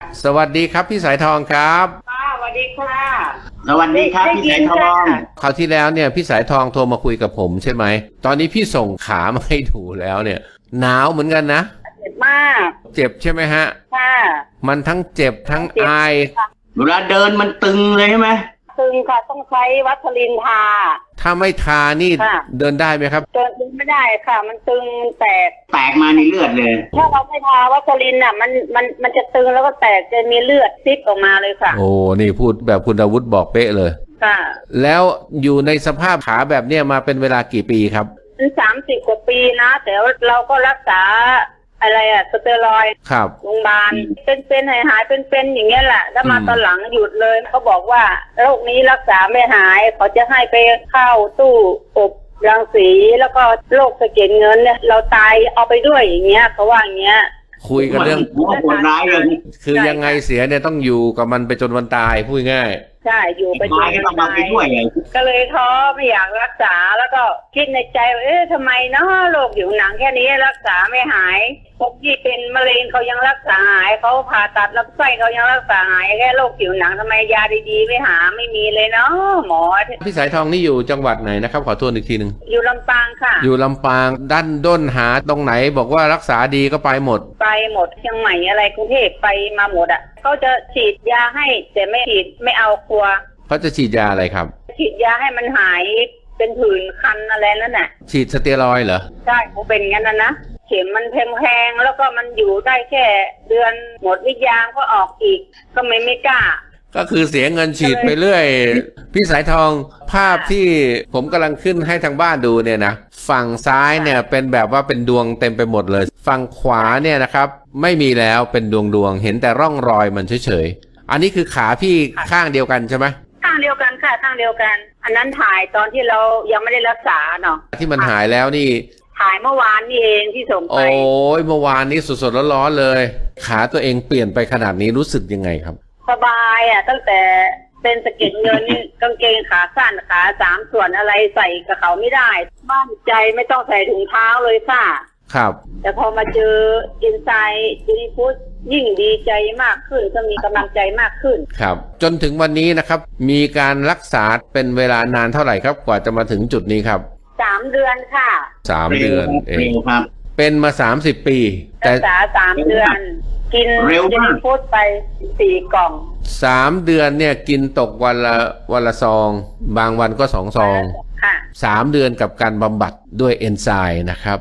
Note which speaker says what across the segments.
Speaker 1: สวัสดีครับพี่สายทองครับ
Speaker 2: ค่ะสวัสดีค่ะ
Speaker 3: สวัสดีครับพี่สายทอง
Speaker 1: คราวที่แล้วเนี่ยพี่สายทองโทรมาคุยกับผมใช่ไหมตอนนี้พี่ส่งขามาให้ดูแล้วเนี่ยหนาวเหมือนกันนะ
Speaker 2: เจ็บมาก
Speaker 1: เจ็บใช่ไหมฮะ
Speaker 2: ค่ะ
Speaker 1: มันทั้งเจ็บทั้งไอ
Speaker 3: เวลาเดินมันตึงเลยใช่ไหม
Speaker 2: ตึงค่ะต้องใช้วัสลินทา
Speaker 1: ถ้าไม่ทานี่เดินได้ไหมครับ
Speaker 2: เดินไม่ได้ค่ะมันตึงแตก
Speaker 3: มาในเลือดเลย
Speaker 2: ถ้าเราไม่ทาวัสลินอ่ะมันจะตึงแล้วก็แตกจะมีเลือดซิบออกมาเลยค่ะ
Speaker 1: โอ้นี่พูดแบบคุณอาวุธบอกเป๊ะเลย
Speaker 2: ค่ะ
Speaker 1: แล้วอยู่ในสภาพขาแบบเนี้ยมาเป็นเวลากี่ปีครับ
Speaker 2: 30 กว่าปีนะแต่เราก็รักษาอะไรอะสเตียรอยด์
Speaker 1: ครับ
Speaker 2: โรงพยาบาลเป็นหายเป็นอย่างเงี้ยแหละแล้วมาตอนหลังหยุดเลยเขาบอกว่าโรคนี้รักษาไม่หายเขาจะให้ไปเข้าตู้อบรังสีแล้วก็โรคสะเก็ดเงินเนี่ยเราตายเอาไปด้วยอย่างเงี้ยเขาว่าอย่างเงี้ย
Speaker 1: คุยกันเรื่อง
Speaker 3: โหดร้ายเลย
Speaker 1: คือยังไงเสียเนี่ยต้องอยู่กับมันไปจนวันตายพูดง่าย
Speaker 2: ใช่อยู่ไปจนวันตายก็เลยท้อไม่อยากรักษาแล้วก็คิดในใจทำไมเนาะโรคผิวหนังแค่นี้รักษาไม่หายพวกที่เป็นมะเร็งเขายังรักษาหายเขาผ่าตัดลำไส้เขายังรักษาหายแค่โรคผิวหนังทำไมยาดีๆไม่มีเลยเนาะหมอ
Speaker 1: พี่สายทองนี่อยู่จังหวัดไหนนะครับขอทวนอีกทีนึง
Speaker 2: อยู่ลำปางค่ะ
Speaker 1: อยู่ลำปางด้านด้นหาตรงไหนบอกว่ารักษาดีก็ไปหมด
Speaker 2: เชียงใหม่อะไรกรุงเทพไปมาหมดอ่ะเขาจะฉีดยาให้แต่ไม่ฉีดไม่เอากลัว
Speaker 1: เขาจะฉีดยาอะไรครับ
Speaker 2: ฉีดยาให้มันหายเป็นผื่นคันอะไรนั่นแหละ
Speaker 1: ฉีดสเตียรอยด์เหรอ
Speaker 2: ใช่เขาเป็นงั้นนะเข็มมันแพงแล้วก็มันอยู่ได้แค่เดือนหมดวิทยาก็ออกอีกก็ไม่กล้า
Speaker 1: ก็คือเสียเงินฉีดไปเรื่อยพี่สายทองภาพที่ผมกำลังขึ้นให้ทางบ้านดูเนี่ยนะฝั่งซ้ายเนี่ยเป็นแบบว่าเป็นดวงเต็มไปหมดเลยฝั่งขวาเนี่ยนะครับไม่มีแล้วเป็นดวงเห็นแต่ร่องรอยมันเฉยๆอันนี้คือขาพี่ข้างเดียวกันใช่ไหม
Speaker 2: ข้างเดียวกันค่ะข้างเดียวกันอันนั้นถ่ายตอนที่เรายังไม่ได้รักษาเนาะ
Speaker 1: ที่มันหายแล้วนี่
Speaker 2: ถ่ายเมื่อวานนี่เองที่ส่งไป
Speaker 1: โอ้ยเมื่อวานนี้สดๆร้อนๆเลยขาตัวเองเปลี่ยนไปขนาดนี้รู้สึกยังไงครับ
Speaker 2: สบายอ่ะตั้งแต่เป็นสะเก็ดเงิน กางเกงขาสั้นขา3 ส่วนอะไรใส่กับเขาไม่ได้บ้านใจไม่ต้องใส่ถุงเท้าเลยค่ะ
Speaker 1: ครับ
Speaker 2: แต่พอมาเจออินไซด์จีฟูดยิ่งดีใจมากขึ้นก็มีกำลังใจมากขึ้น
Speaker 1: ครับจนถึงวันนี้นะครับมีการรักษาเป็นเวลานานเท่าไหร่ครับกว่าจะมาถึงจุดนี้ครับ
Speaker 2: 3 เดือนค่ะ
Speaker 1: 3 เดือนเอง
Speaker 3: ครับ
Speaker 1: เป็นมา30 ปี
Speaker 2: แต่รักษา3 เดือนกินจีฟูดไป4 กล่อง
Speaker 1: 3 เดือนเนี่ยกินตกวันละซองบางวันก็2 ซอง
Speaker 2: ค่ะ
Speaker 1: 3 เดือนกับการบำบัดด้วยเอนไซม์นะครับ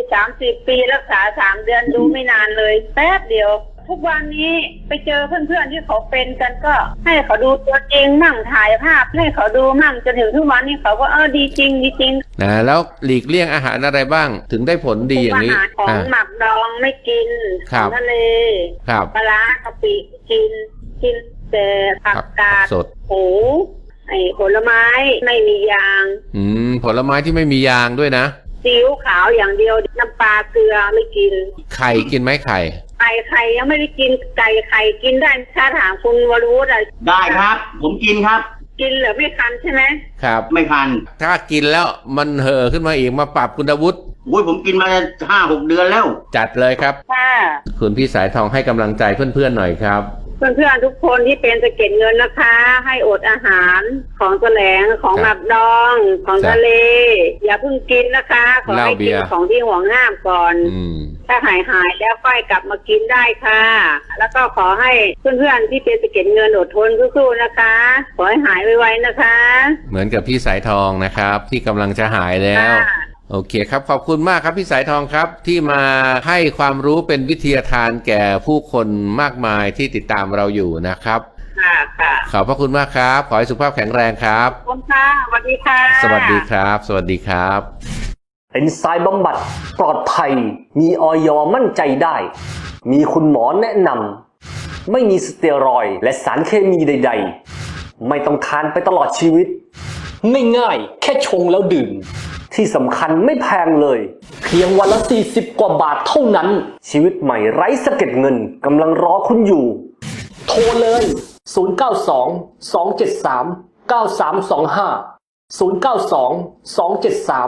Speaker 2: 30 ปีรักษา3 เดือนดูไม่นานเลยแป๊บเดียวทุกวันนี้ไปเจอเพื่อนๆที่เขาเป็นกันก็ให้เขาดูตัวจริงมั่งถ่ายภาพให้เขาดูมั่งจนถึงทุกวันนี้เขาก็ดีจริง
Speaker 1: นะแล้วหลีกเลี่ยงอาหารอะไรบ้างถึงได้ผลดีอย่างนี้
Speaker 2: ของหมักดองไม่กินของทะเลปลาร้ากะปิกินแต่ผักกาด
Speaker 1: สด
Speaker 2: โอ้ผลไม้ไม่มียาง
Speaker 1: ผลไม้ที่ไม่มียางด้วยนะ
Speaker 2: ซีอิ๊วขาวอย่างเดียวน้ำปลาเกลือไม่กิน
Speaker 1: ไข่กินไหมไข่
Speaker 2: ยังไม่ได้กินไข่กินได้ถ้าถามคุณวรวุฒิ
Speaker 3: ได้ครับผมกินครับ
Speaker 2: กินเหรอไม่คันใช่ไหม
Speaker 1: ครับ
Speaker 3: ไม่คัน
Speaker 1: ถ้ากินแล้วมันเห่อขึ้นมาอีกมาปรับคุณอาวุธ
Speaker 3: ผมกินมา5-6 เดือนแล้ว
Speaker 1: จัดเลยครับ
Speaker 2: ค่ะ
Speaker 1: คุณพี่สายทองให้กำลังใจเพื่อนๆหน่อยครับ
Speaker 2: เพื่อนๆทุกคนที่เป็นสะเก็ดเงินนะคะให้อดอาหารของแสลงของหมักดองของทะเลอย่าเพิ่งกินนะคะขอให้กินของที่ห่วงห้ามก่อนถ้าหายแล้วค่อยกลับมากินได้ค่ะแล้วก็ขอให้เพื่อนๆที่เป็นสะเก็ดเงินอดทนสู้ๆนะคะขอให้หายไวๆนะคะ
Speaker 1: เหมือนกับพี่สายทองนะครับที่กำลังจะหายแล้วโอเคครับขอบคุณมากครับพี่สายทองครับที่มาให้ความรู้เป็นวิทยาทานแก่ผู้คนมากมายที่ติดตามเราอยู่นะครับ
Speaker 2: ค่ะ
Speaker 1: ขอบพระคุณมากครับขอให้สุขภาพแข็งแรงครับ
Speaker 2: ขอบคุณค่ะสวัสดีค่ะ
Speaker 1: สวัสดีครับสวัสดีครับ
Speaker 4: เอนไซม์บำบัดปลอดภัยมีอย.มั่นใจได้มีคุณหมอแนะนำไม่มีสเตียรอยด์และสารเคมีใดๆไม่ต้องทานไปตลอดชีวิตง่ายๆแค่ชงแล้วดื่มที่สำคัญไม่แพงเลยเพียงวันละ40 กว่าบาทเท่านั้นชีวิตใหม่ไร้สะเก็ดเงินกำลังรอคุณอยู่โทรเลย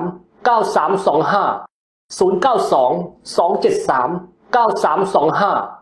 Speaker 4: 092-273-9325 092-273-9325